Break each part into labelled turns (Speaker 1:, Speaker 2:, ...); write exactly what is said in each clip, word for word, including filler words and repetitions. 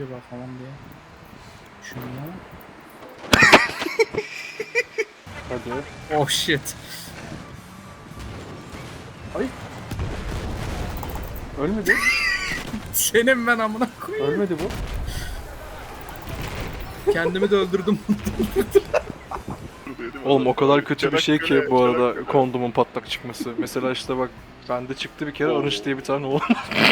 Speaker 1: bakalım diye. Şunu.
Speaker 2: Hadi.
Speaker 1: Oh shit.
Speaker 2: Ay. Ölmedi.
Speaker 1: Senin ben amına koyayım.
Speaker 2: Ölmedi bu.
Speaker 1: Kendimi de öldürdüm.
Speaker 3: Oğlum o kadar kötü bir şey ki bu arada kondomun patlak çıkması. Mesela işte bak bende çıktı bir kere Arınç diye bir tane oğlum.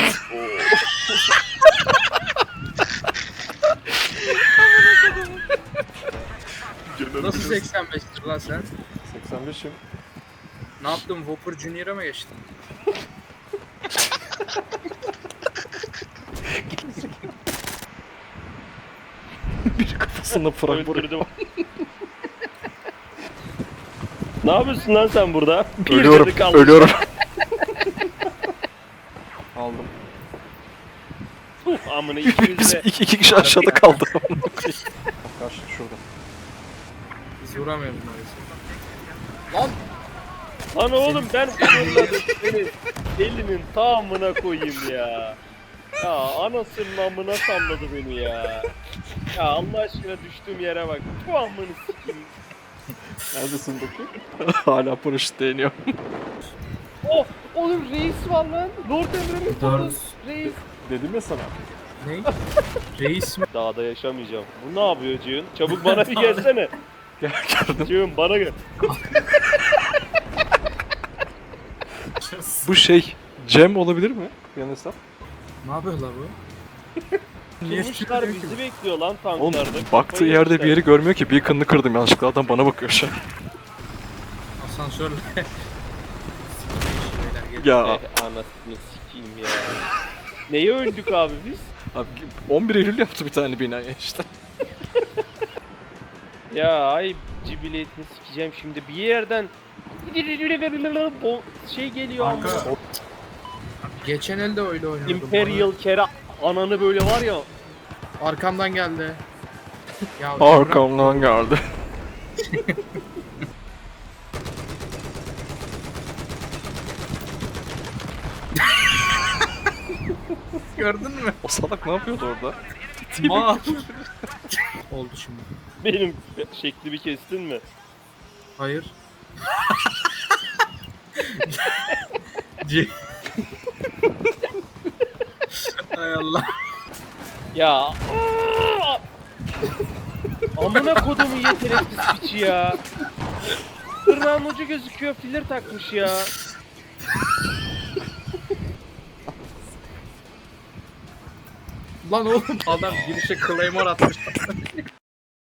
Speaker 1: Nasıl seksen beştir lan sen?
Speaker 2: seksen beşim.
Speaker 1: Ne yaptın? Whopper Junior'a mı geçtin?
Speaker 3: Bir kafasında frag vuruyor.
Speaker 4: Öldürdüm. Ne yapıyorsun lan sen burada? Bir
Speaker 3: Ölüyorum,
Speaker 4: canı kaldı.
Speaker 3: ölüyorum. Aldım.
Speaker 4: Uf, amına ikimiz
Speaker 3: Biz
Speaker 4: de.
Speaker 3: iki, iki kişi aşağıda kaldı.
Speaker 2: Karşı şurada.
Speaker 1: Biz vuramıyoruz maalesef. Lan!
Speaker 4: Lan oğlum ben fırladım seni. Elinin tamamına koyayım ya. Ya anasının amına salladı beni ya. Ya Allah aşkına düştüğüm yere bak. Bu amını sikeyim.
Speaker 2: Neredesin bakayım?
Speaker 3: Hala paraşüt değiniyor.
Speaker 4: Oh! Oğlum reis var lan. Lord Emre'nin fotosu. Reis.
Speaker 2: Dedim ya sana.
Speaker 1: Ne? Reis mi?
Speaker 4: Dağda yaşamayacağım. Bu ne yapıyor Cihun? Çabuk bana bir gelsene.
Speaker 3: Gel gördüm.
Speaker 4: Cihun bana gel.
Speaker 3: Bu şey Cem olabilir mi?
Speaker 2: Yan hesap.
Speaker 1: Ne yapıyorlar bu?
Speaker 4: Durmuşlar bizi bekliyor lan
Speaker 3: Oğlum
Speaker 4: tanklarda.
Speaker 3: baktığı
Speaker 4: Kafayı
Speaker 3: yerde
Speaker 4: yemişler.
Speaker 3: bir yeri görmüyor ki. Bir kınını kırdım yanlışlıkla. Adam bana bakıyor şu an.
Speaker 1: Asansörle. Sikeyim şeyler
Speaker 3: Ya
Speaker 4: Eh, anasını sikeyim ya. Neye öldük abi biz?
Speaker 3: abi on bir Eylül yaptı bir tane binaya işte.
Speaker 4: Ya ay cibiliyetini sikeceğim şimdi bir yerden Bo- şey geliyor ama
Speaker 1: Kanka. Geçen elde öyle oynuyordum.
Speaker 4: Imperial kere ananı böyle var ya.
Speaker 1: Bana arkamdan geldi. Ya
Speaker 3: Arkamdan geldi.
Speaker 1: gördün mü?
Speaker 3: O salak ne yapıyordu orada?
Speaker 1: Ma. Oldu şimdi.
Speaker 4: Benim şekli bir kestin mi?
Speaker 1: Hayır. C- Hay Allah.
Speaker 4: Ya amına kodumun yetenekli piçi ya. Tırnağın ucu gözüküyor filler takmış ya.
Speaker 1: Lan oğlum adam girişe claymore atmış.